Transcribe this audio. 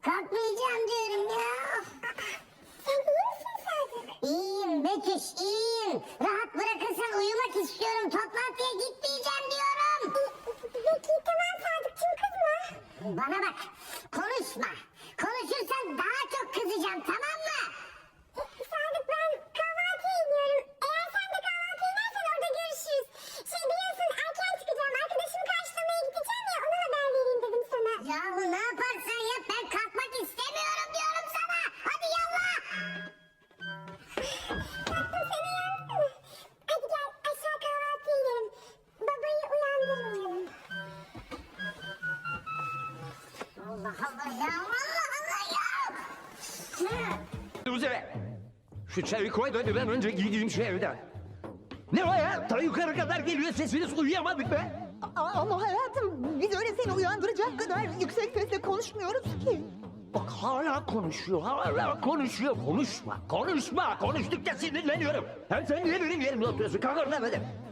Kalkmayacağım diyorum ya. Sen iyi misin Sadık? İyiyim Betüş, iyiyim. Rahat bırakırsan uyumak istiyorum. Toplantıya gitmeyeceğim diyorum. Peki tamam Sadıkçım, kızma. Bana bak, konuşma. Konuşursan daha çok kızacağım, tamam mı? Sadık, ben kahvaltıya iniyorum. Eğer sen de kahvaltıya inersen orada görüşürüz. Biliyorsun erken çıkacağım. Arkadaşımı karşılamaya gideceğim ya, ona haber vereyim dedim sana. Yahu ne yaparsan yap, ben kalkmak istemiyorum diyorum sana. Hadi yallah. Tatlım, sen uyandın mı? Hadi gel aşağı kahvaltıya inelim. Babayı uyandırmayalım. Allah Allah ya, Allah Allah ya. Üzere. Şu çayı koy da ben önce gideyim şu evden. Ne o ya? Ta yukarı kadar geliyor sesiniz, uyuyamadık be. Ama hayatım, biz öyle seni uyandıracak kadar yüksek sesle konuşmuyoruz ki. Bak hala konuşuyor, hala konuşuyor. Konuşma, konuşma. Konuştukça sinirleniyorum. Hem sen niye benim yerimde oturuyorsun? Kalk oradan hadi.